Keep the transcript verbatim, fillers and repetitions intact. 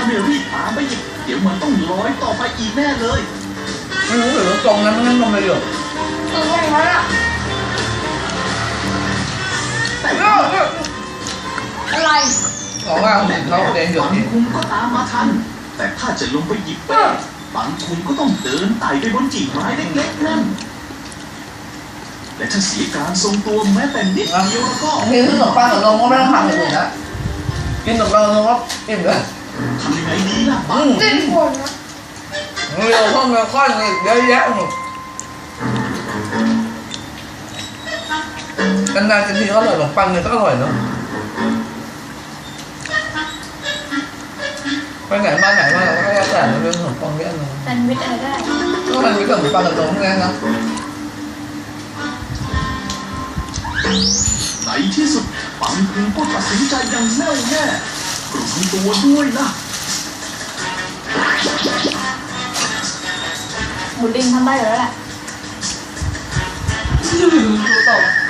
ไม่รีบตามไปอีกเดี๋ยวมันต้องร้อยต่อไปอีกแน่เลยไม่รู้หรือว่าตรงนั้นมันต้องมาเยอะถึงอย่างนั้นอ่ะแต่อะไรบอกว่าเห็นเขาเดินหยดปังคุงก็ตามมาทันแต่ถ้าจะลงไปหยิบเป้ปังคุงก็ต้องเดินไต่ไปบนกิ่งไม้เล็กๆนั่นและถ้าเสียการทรงตัวแม้แต่นิดเดียวแล้วก็กินขนมปังกับนมก็ไม่ต้องทำอย่างอื่นนะกินขนมปังกับนมก็อิ่มเลยทำยังไงดีล่ะปังเล่นคนนะเร็วข้าวเนื้อข้าวนี่เยอะแยะหมดกันนานจะทีก็อร่อยขนมปังเนี่ยก็อร่อยเนาะไปไหนมาไหนมาเราก็แล้วแต่เราเรื่องขนมปังเยอะเลยแซนด์วิชอะไรก็ได้ก็มันมีขนมปังกับนมแค่นั้นนะในที่สุดปังคุงก็ตัดสินใจอย่างแน่วแน่กลุ่มตัวด้วยนะหมูดิ้งทำได้แล้วแหละดูตก